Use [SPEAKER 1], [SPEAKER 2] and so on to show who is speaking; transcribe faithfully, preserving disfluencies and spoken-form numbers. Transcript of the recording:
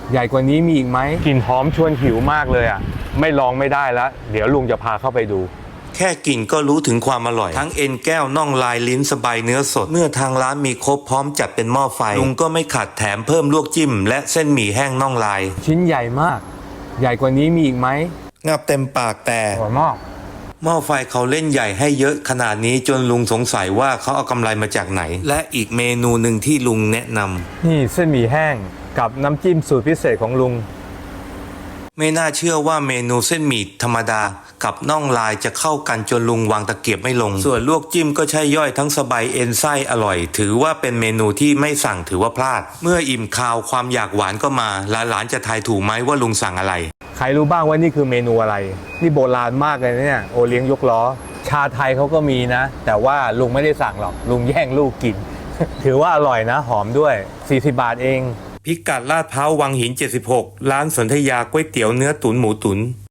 [SPEAKER 1] ใหญ่กว่านี้มีอีกไหมกลิ่นหอมชวนหิวมากเลยอ่ะไม่ลองไม่ได้แล้วเดี๋ยวลุงจะพาเข้าไปดู
[SPEAKER 2] แค่กลิ่นก็รู้ถึงความอร่อยทั้งเอ็นแก้วน่องลายลิ้นสบายเนื้อสดเมื่อทางร้านมีครบพร้อมจัดเป็นหม้อไฟลุงก็ไม่ขัดแถมเพิ่มลวกจิ้มและเส้นหมี่แห้งน่องลาย
[SPEAKER 1] ชิ้นใหญ่มากใหญ่กว่านี้มีอีกไหม
[SPEAKER 2] งับเต็มปากแต่
[SPEAKER 1] อร่อยมาก
[SPEAKER 2] หม้อไฟเขาเล่นใหญ่ให้เยอะขนาดนี้จนลุงสงสัยว่าเขาเอากำไรมาจากไหนและอีกเมนูหนึ่งที่ลุงแนะนำ
[SPEAKER 1] นี่เส้นหมี่แห้งกับน้ำจิ้มสูตรพิเศษของลุง
[SPEAKER 2] ไม่น่าเชื่อว่าเมนูเส้นหมี่ธรรมดากับน่องลายจะเข้ากันจนลุงวางตะเกียบไม่ลงส่วนลวกจิ้มก็ใช่ย่อยทั้งสบายเอ็นไส้อร่อยถือว่าเป็นเมนูที่ไม่สั่งถือว่าพลาดเมื่ออิ่มคาวความอยากหวานก็มาหลานๆจะทายถูกไหมว่าลุงสั่งอะไร
[SPEAKER 1] ใครรู้บ้างว่านี่คือเมนูอะไรนี่โบราณมากเลยเนี่ยโอเลี้ยงยกล้อชาไทยเขาก็มีนะแต่ว่าลุงไม่ได้สั่งหรอกลุงแย่งลูกกิน ถือว่าอร่อยนะหอมด้วยสี่สิบบาทเอง
[SPEAKER 2] พิกัดลาดพร้าววังหินเจ็ดสิบหกร้านสนธยาก๋วยเตี๋ยวเนื้อตุ๋นหมูตุ๋น